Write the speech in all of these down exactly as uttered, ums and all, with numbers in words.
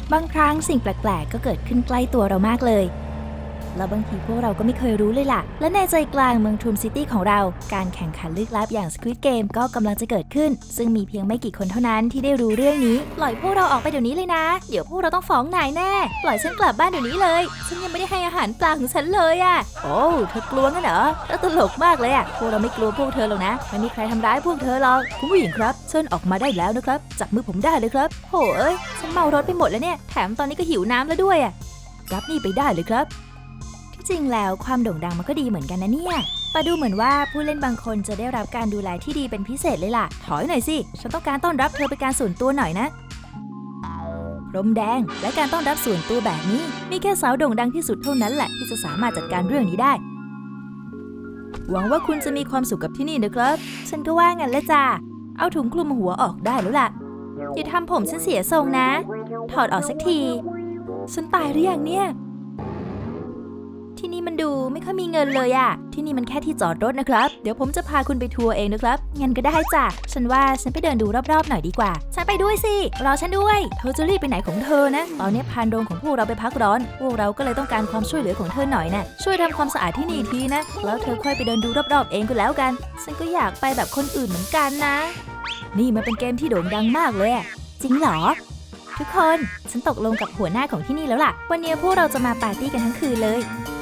บางครั้งสิ่งแปลกๆก็เกิดขึ้นใกล้ตัวเรามากเลยแล้วบางทีพวกเราก็ไม่เคยรู้เลยล่ะและในใจกลางเมืองทรูมซิตี้ของเราการแข่งขันลึกลับอย่าง Squid Game ก็กำลังจะเกิดขึ้นซึ่งมีเพียงไม่กี่คนเท่านั้นที่ได้รู้เรื่องนี้ปล่อยพวกเราออกไปเดี๋ยวนี้เลยนะเดี๋ยวพวกเราต้องฟ้องนายแน่ปล่อยฉันกลับบ้านเดี๋ยวนี้เลยฉันยังไม่ได้ให้อาหารปลาของฉันเลยอ่ะโอ้เธอกลัวงั้นเหรอแล้วตลกมากเลยอ่ะพวกเราไม่กลัวพวกเธอหรอกนะไม่มีใครทำร้ายพวกเธอหรอกคุณผู้หญิงครับเชิญออกมาได้แล้วนะครับจับมือผมได้เลยครับโหเอ้ยฉันเมารถไปหมดแล้วเนี่ยแถมตอนนี้ก็หิวน้ำแล้วด้วยอ่ะรับนี่ไปได้เลยครับจริงแล้วความโด่งดังมันก็ดีเหมือนกันนะเนี่ยแต่ดูเหมือนว่าผู้เล่นบางคนจะได้รับการดูแลที่ดีเป็นพิเศษเลยล่ะถอยหน่อยสิฉันต้องการต้อนรับเธอเป็นการส่วนตัวหน่อยนะพรมแดงและการต้อนรับส่วนตัวแบบนี้มีแค่สาวโด่งดังที่สุดเท่านั้นแหละที่จะสามารถจัดการเรื่องนี้ได้หวังว่าคุณจะมีความสุขกับที่นี่นะครับฉันก็ว่างั้นแหละจ้าเอาถุงคลุมหัวออกได้แล้วล่ะอย่าทำผมฉันเสียทรงนะถอดออกสักทีฉันตายหรือยังเนี่ยที่นี่มันดูไม่ค่อยมีเงินเลยอะที่นี่มันแค่ที่จอดรถนะครับเดี๋ยวผมจะพาคุณไปทัวร์เองนะครับงั้นก็ได้จ้ะฉันว่าฉันไปเดินดูรอบๆหน่อยดีกว่าฉันไปด้วยสิรอฉันด้วยเธอจะรีบไปไหนของเธอนะตอนนี้พานโรงของพวกเราไปพักร้อนพวกเราก็เลยต้องการความช่วยเหลือของเธอหน่อยนะช่วยทำความสะอาดที่นี่ทีนะแล้วเธอค่อยไปเดินดูรอบๆเองก็แล้วกันฉันก็อยากไปแบบคนอื่นเหมือนกันนะนี่มันเป็นเกมที่โด่งดังมากเลยจริงเหรอทุกคนฉันตกลงกับหัวหน้าของที่นี่แล้วล่ะวันนี้พวกเราจะมาปาร์ตี้กันทั้งคืนเลย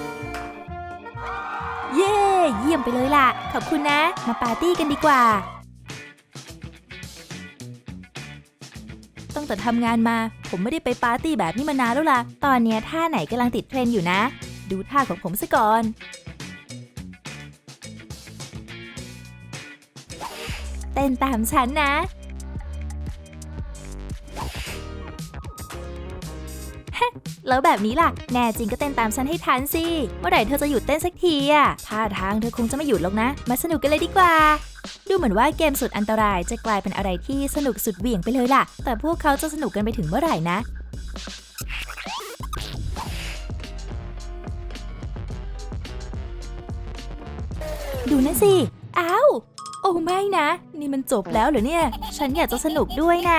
เย้เยี่ยมไปเลยล่ะขอบคุณนะมาปาร์ตี้กันดีกว่าตั้งแต่ทำงานมาผมไม่ได้ไปปาร์ตี้แบบนี้มานานแล้วล่ะตอนนี้ท่าไหนกำลังติดเทรนด์อยู่นะดูท่าของผมซะก่อนเต้นตามฉันนะแล้วแบบนี้ล่ะแน่จริงก็เต้นตามฉันให้ทันสิเมื่อไหร่เธอจะหยุดเต้นสักทีอ่ะท่าทางเธอคงจะไม่หยุดหรอกนะมาสนุกกันเลยดีกว่าดูเหมือนว่าเกมสุดอันตรายจะกลายเป็นอะไรที่สนุกสุดเหวี่ยงไปเลยล่ะแต่พวกเขาจะสนุกกันไปถึงเมื่อไหร่นะดูนั่นสิอ้าวโอ้ไม่นะนี่มันจบแล้วเหรอเนี่ยฉันอยากจะสนุกด้วยน่ะ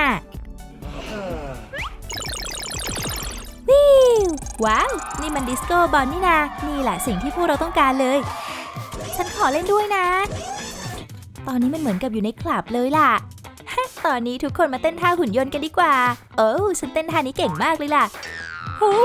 ว้าวนี่มันดิสโก้บอลนี่นานี่แหละสิ่งที่พวกเราต้องการเลยฉันขอเล่นด้วยนะตอนนี้มันเหมือนกับอยู่ในคลับเลยล่ะตอนนี้ทุกคนมาเต้นท่าหุ่นยนต์กันดีกว่าโอ้ฉันเต้นท่านี้เก่งมากเลยล่ะโอ้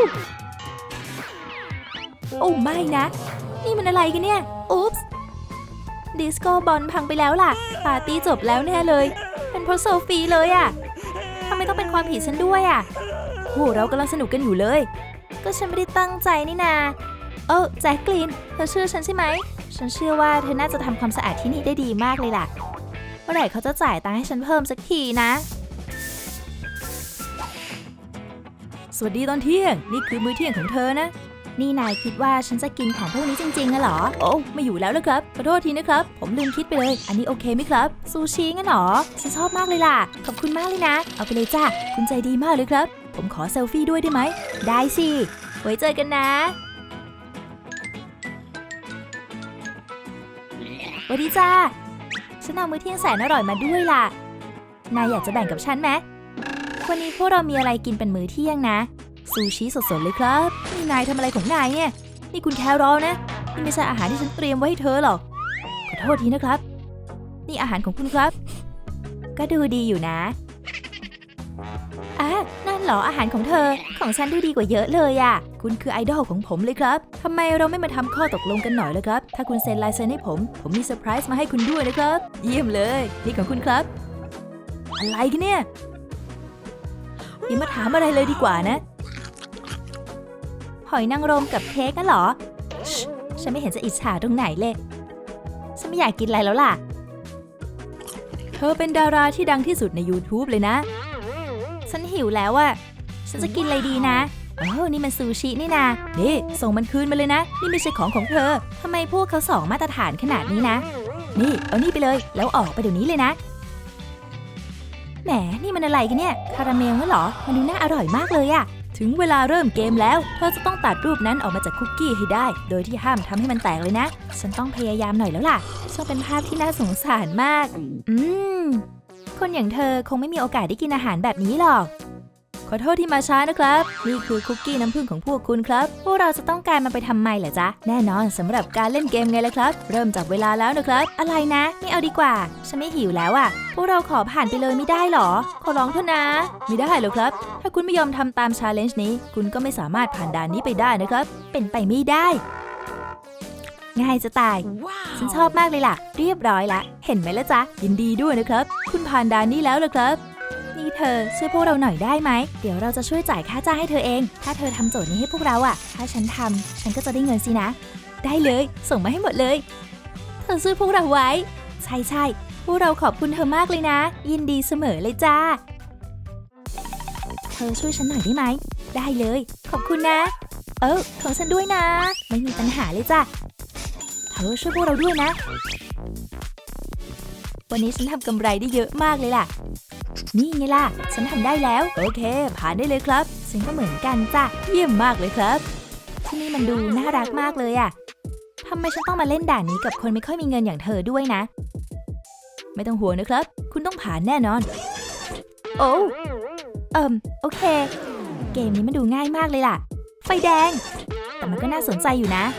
โอ้ไม่นะนี่มันอะไรกันเนี่ยอุ๊ปส์ดิสโก้บอลพังไปแล้วล่ะปาร์ตี้จบแล้วแน่เลยเป็นเพราะโซฟีเลยอ่ะทำไมต้องเป็นความผิดฉันด้วยอ่ะโอ้เรากำลังสนุกกันอยู่เลยก็ฉันไม่ได้ตั้งใจนี่นาเออแจ็คกลินเธอเชื่อฉันใช่ไหมฉันเชื่อว่าเธอน่าจะทำความสะอาดที่นี่ได้ดีมากเลยล่ะเมื่อไหร่เขาจะจ่ายตังค์ให้ฉันเพิ่มสักทีนะสวัสดีตอนเที่ยงนี่คือมื้อเที่ยงของเธอนะนี่นายคิดว่าฉันจะกินของพวกนี้จริงๆนะหรอโอ้ไม่อยู่แล้วนะครับขอโทษทีนะครับผมลืมคิดไปเลยอันนี้โอเคไหมครับซูชิงั้นหรอฉันชอบมากเลยล่ะขอบคุณมากเลยนะเอาไปเลยจ้ะคุณใจดีมากเลยครับผมขอเซลฟี่ด้วยได้ไหมได้สิไว้เจอกันนะสวัสดีจ้าฉันเอามื้อเที่ยงแสนอร่อยมาด้วยล่ะนายอยากจะแบ่งกับฉันไหมวันนี้พวกเรามีอะไรกินเป็นมื้อเที่ยงนะซูชิสดๆเลยครับนี่นายทำอะไรของนายเนี่ยนี่คุณแครอลนะนี่ไม่ใช่อาหารที่ฉันเตรียมไว้ให้เธอหรอกขอโทษทีนะครับนี่อาหารของคุณครับก็ดูดีอยู่นะอ่ะนั่นเหรออาหารของเธอของฉันดูดีกว่าเยอะเลยอ่ะคุณคือไอดอลของผมเลยครับทำไมเราไม่มาทำข้อตกลงกันหน่อยล่ะครับถ้าคุณเซ็นลายเซ็นให้ผมผมมีเซอร์ไพรส์มาให้คุณด้วยนะครับเยี่ยมเลยนี่ของคุณครับอะไรกันเนี่ยอย่ามาถามอะไรเลยดีกว่านะหอยนางรมกับเค้กนั่นเหรอฉันไม่เห็นจะอิจฉาตรงไหนเลยฉันไม่อยากกินอะไรแล้วล่ะเธอเป็นดาราที่ดังที่สุดใน YouTube เลยนะฉันหิวแล้วอะฉันจะกินอะไรดีนะโอ้นี่มันซูชินี่นะนี่ส่งมันคืนมาเลยนะนี่ไม่ใช่ของของเธอทำไมพวกเขาสองมาตรฐานขนาดนี้นะนี่เอานี่ไปเลยแล้วออกไปเดี๋ยวนี้เลยนะแหมนี่มันอะไรกันเนี่ยคาราเมลงั้นเหรอมันดูน่าอร่อยมากเลยอะถึงเวลาเริ่มเกมแล้วเธอจะต้องตัดรูปนั้นออกมาจากคุกกี้ให้ได้โดยที่ห้ามทำให้มันแตกเลยนะฉันต้องพยายามหน่อยแล้วล่ะช่างเป็นภาพที่น่าสงสารมากอืมคนอย่างเธอคงไม่มีโอกาสได้กินอาหารแบบนี้หรอกขอโทษที่มาช้านะครับนี่คือคุกกี้น้ำผึ้งของพวกคุณครับพวกเราจะต้องการมันไปทำไมเหรอจ๊ะแน่นอนสำหรับการเล่นเกมไงล่ะครับเริ่มจับเวลาแล้วนะครับอะไรนะไม่เอาดีกว่าฉันไม่หิวแล้วอ่ะพวกเราขอผ่านไปเลยไม่ได้หรอขอร้องเถอะนะไม่ได้หรอกครับถ้าคุณไม่ยอมทำตามชาเลนจ์นี้คุณก็ไม่สามารถผ่านด่านนี้ไปได้นะครับเป็นไปไม่ได้ง่ายจะตาย wow. ฉันชอบมากเลยล่ะเรียบร้อยละเห็นไหมล่ะจ๊ะยินดีด้วยนะครับคุณผ่านด่านนี้แล้วล่ะครับนี่เธอช่วยพวกเราหน่อยได้ไหมเดี๋ยวเราจะช่วยจ่ายค่าจ้างให้เธอเองถ้าเธอทำโจทย์นี้ให้พวกเราอ่ะถ้าฉันทำฉันก็จะได้เงินสินะได้เลยส่งมาให้หมดเลยเธอช่วยพวกเราไว้ใช่ใช่พวกเราขอบคุณเธอมากเลยนะยินดีเสมอเลยจ้าเธอช่วยฉันหน่อยได้ไหมได้เลยขอบคุณนะเออของฉันด้วยนะไม่มีปัญหาเลยจ้ะเธอช่วยพวกเราด้วยนะวันนี้ฉันทำกำไรได้เยอะมากเลยล่ะนี่ไงล่ะฉันทำได้แล้วโอเคผ่านได้เลยครับฉันก็เหมือนกันจ้ะเยี่ยมมากเลยครับที่นี่มันดูน่ารักมากเลยอะทำไมฉันต้องมาเล่นด่านนี้กับคนไม่ค่อยมีเงินอย่างเธอด้วยนะไม่ต้องห่วงนะครับคุณต้องผ่านแน่นอนโอ้เอิมโอเคเกมนี้มันดูง่ายมากเลยล่ะไฟแดงแต่มันก็น่าสนใจอยู่นะ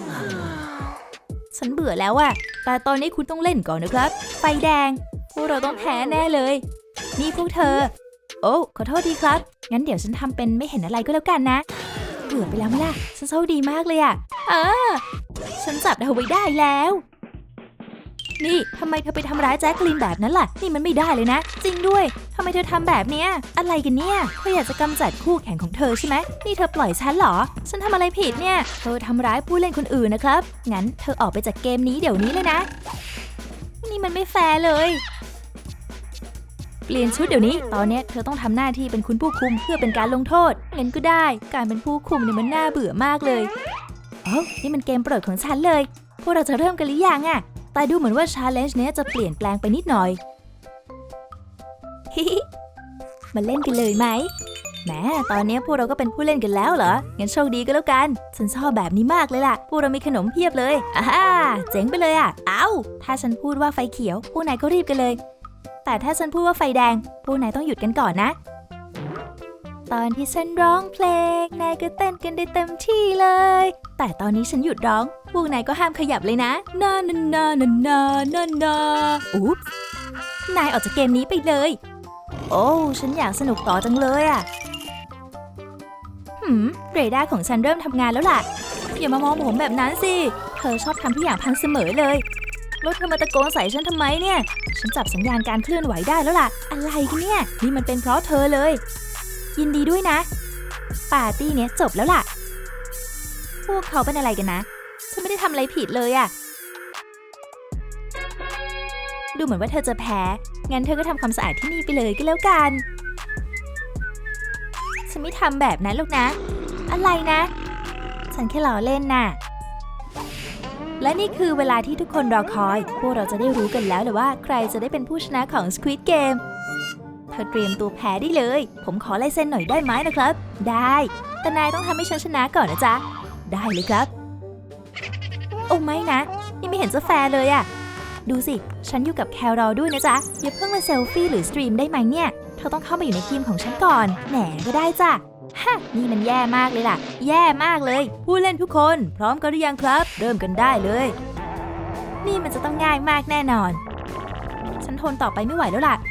ฉันเบื่อแล้วอะแต่ตอนนี้คุณต้องเล่นก่อนนะครับไฟแดงพวกเราต้องแพ้แน่เลยนี่พวกเธอโอ้ขอโทษทีครับงั้นเดี๋ยวฉันทำเป็นไม่เห็นอะไรก็แล้วกันนะเบื่อไปแล้วไหมล่ะฉันโชคดีมากเลยอะอ่าฉันจับเธอไว้ได้แล้วนี่ทำไมเธอไปทำร้ายแจ็คลินแบบนั้นล่ะนี่มันไม่ได้เลยนะจริงด้วยทำไมเธอทำแบบเนี้ยอะไรกันเนี่ยเธออยากจะกำจัดคู่แข่งของเธอใช่ไหมนี่เธอปล่อยฉันเหรอฉันทำอะไรผิดเนี่ยเธอทำร้ายผู้เล่นคนอื่นนะครับงั้นเธอออกไปจากเกมนี้เดี๋ยวนี้เลยนะนี่มันไม่แฟร์เลยเปลี่ยนชุดเดี๋ยวนี้ตอนนี้เธอต้องทำหน้าที่เป็นคุณผู้คุมเพื่อเป็นการลงโทษงั้นก็ได้การเป็นผู้คุมเนี่ยมันน่าเบื่อมากเลยเอ้านี่มันเกมโปรดของฉันเลยพวกเราจะเริ่มกันหรือยังอะแต่ดูเหมือนว่าชาเลนจ์เนี้ยจะเปลี่ยนแปลงไปนิดหน่อยฮิฮิมาเล่นกันเลยไหมแหมตอนนี้พวกเราก็เป็นผู้เล่นกันแล้วเหรองั้นโชคดีก็แล้วกันฉันชอบแบบนี้มากเลยล่ะพวกเรามีขนมเพียบเลยอ่าเจ๋งไปเลยอ่ะเอ้าถ้าฉันพูดว่าไฟเขียวพวกนายก็รีบกันเลยแต่ถ้าฉันพูดว่าไฟแดงพวกนายต้องหยุดกันก่อนนะตอนที่ฉันร้องเพลงนายก็เต้นกันได้เต็มที่เลยแต่ตอนนี้ฉันหยุดร้องพวกนายก็ห้ามขยับเลยนะนานานานานานานาอุ๊บนายออกจากเกมนี้ไปเลยโอ้ฉันอยากสนุกต่อจังเลยอ่ะหืมเรดาร์ของฉันเริ่มทำงานแล้วล่ะอย่ามามองผมแบบนั้นสิเธอชอบทำทุกอย่างพังเสมอเลยแล้วเธอมาตะโกนใส่ฉันทำไมเนี่ยฉันจับสัญญาณการเคลื่อนไหวได้แล้วล่ะอะไรกันเนี่ยนี่มันเป็นเพราะเธอเลยยินดีด้วยนะปาร์ตี้เนี้ยจบแล้วล่ะพวกเขาเป็นอะไรกันนะฉันไม่ได้ทำอะไรผิดเลยอะดูเหมือนว่าเธอจะแพ้งั้นเธอก็ทำความสะอาดที่นี่ไปเลยก็แล้วกันฉันไม่ทำแบบนั้นหรอกนะอะไรนะฉันแค่ล้อเล่นน่ะและนี่คือเวลาที่ทุกคนรอคอยพวกเราจะได้รู้กันแล้วเลยว่าใครจะได้เป็นผู้ชนะของ Squid Game เธอเตรียมตัวแพ้ได้เลยผมขอลายเซ็นหน่อยได้ไหมนะครับได้แต่นายต้องทำให้ฉันชนะก่อนนะจ๊ะได้เลยครับโอ้ไม่นะนี่ไม่เห็นจะแฟร์เลยอะดูสิฉันอยู่กับแครอลด้วยนะจ๊ะอย่าเพิ่งมาเซลฟี่หรือสตรีมได้ไหมเนี่ยเธอต้องเข้ามาอยู่ในทีมของฉันก่อนแหมก็ได้จ้ะฮะนี่มันแย่มากเลยล่ะแย่มากเลยผู้เล่นทุกคนพร้อมกันหรือยังครับเริ่มกันได้เลยนี่มันจะต้องง่ายมากแน่นอนฉันทนต่อไปไม่ไหวแล้วล่ะ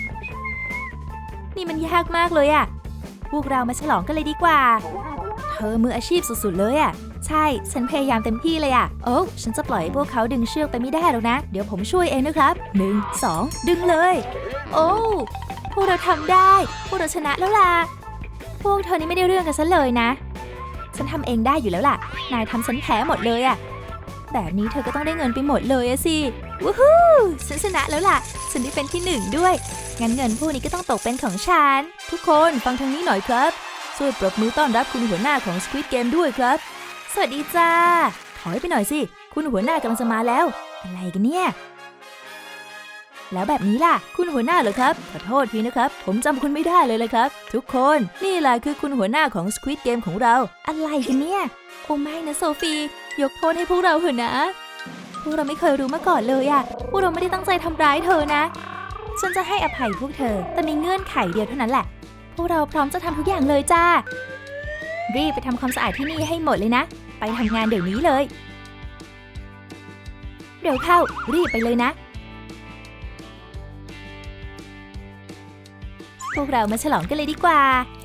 นี่มันยากมากเลยอะพวกเรามาฉลองกันเลยดีกว่าเธอมืออาชีพสุดๆเลยอะใช่ฉันพยายามเต็มที่เลยอะโอ้ฉันจะปล่อยให้พวกเขาดึงเชือกไปไม่ได้หรอกนะเดี๋ยวผมช่วยเองนะครับหนึ่ง สองดึงเลยโอ้พวกเราทำได้พวกเราชนะแล้วล่ะพวกเธอนี่ไม่ได้เรื่องกันซะเลยนะฉันทำเองได้อยู่แล้วล่ะนายทำฉันแพ้หมดเลยอะแบบนี้เธอก็ต้องได้เงินไปหมดเลยอะสิวู้ฮู้ฉันชนะแล้วล่ะฉันได้เป็นที่หนึ่งด้วยงั้นเงินพวกนี้ก็ต้องตกเป็นของฉันทุกคนฟังทางนี้หน่อยครับช่วยปรบมือต้อนรับคุณหัวหน้าของ Squid Game ด้วยครับสวัสดีจ้าถอยไปหน่อยสิคุณหัวหน้ากำลังจะมาแล้วอะไรกันเนี่ยแล้วแบบนี้ล่ะคุณหัวหน้าเหรอครับขอโทษทีนะครับผมจำคุณไม่ได้เลยเลยครับทุกคนนี่แหละคือคุณหัวหน้าของ Squid Game ของเราอะไรกันเนี่ยโอ้ไม่นะโซฟียกโทษให้พวกเราเถอะนะพวกเราไม่เคยรู้มาก่อนเลยอะพวกเราไม่ได้ตั้งใจทำร้ายเธอนะฉันจะให้อภัยพวกเธอแต่มีเงื่อนไขเดียวเท่านั้นแหละพวกเราพร้อมจะทำทุกอย่างเลยจ้ารีบไปทำความสะอาดที่นี่ให้หมดเลยนะไปทำงานเดี๋ยวนี้เลยเร็วเข้ารีบไปเลยนะพวกเรามาฉลองกันเลยดีกว่า